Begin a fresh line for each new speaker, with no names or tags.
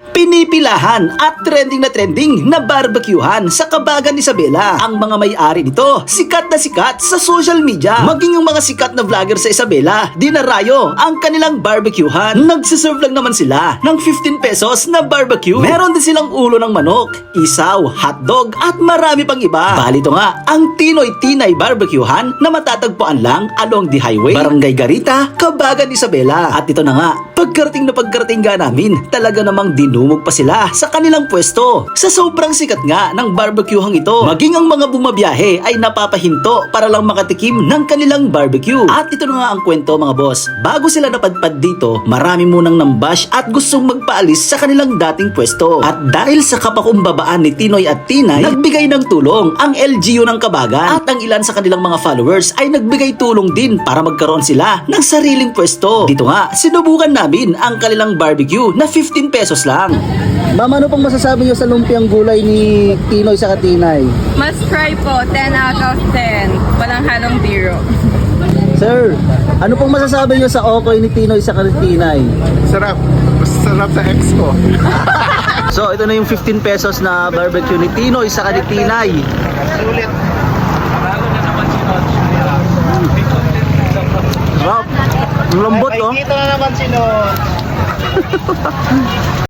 Pinipilahan at trending na barbecuehan sa Kabagan Isabela. Ang mga may-ari nito, sikat na sikat sa social media. Maging ang mga sikat na vlogger sa Isabela, dinarayo ang kanilang barbecuehan. Nagsiserve lang naman sila ng 15 pesos na barbecue. Meron din silang ulo ng manok, isaw, hotdog at marami pang iba. Balito nga, ang Tinoy Tinay Barbecuehan na matatagpuan lang along the highway, Barangay Garita, Kabagan Isabela. At ito na nga, pagkarating nga namin, talaga namang dinumog pa sila sa kanilang pwesto. Sa sobrang sikat nga ng barbecuehang ito, maging ang mga bumabiyahe ay napapahinto para lang makatikim ng kanilang barbecue. At ito na nga ang kwento mga boss. Bago sila napadpad dito, marami munang nambash at gustong magpaalis sa kanilang dating pwesto. At dahil sa kapakumbabaan ni Tinoy at Tinay, nagbigay ng tulong ang LGU ng Kabagan. At ang ilan sa kanilang mga followers ay nagbigay tulong din para magkaroon sila ng sariling pwesto. Dito nga, sinubukan namin ang kanilang barbecue na 15 pesos lang. Ma'am, ano pong masasabi niyo sa lumpiang gulay ni Tinoy sa Tinay?
Must try po, 10 out of 10. Walang halong biro.
Sir, ano pong masasabi niyo sa okoy ni Tinoy sa Tinay?
Sarap. Mas sarap sa ex ko.
So, ito na yung 15 pesos na barbecue ni Tinoy sa Tinay.
Sulit.
Wow, ang lambot oh.
Nakikita na naman sino.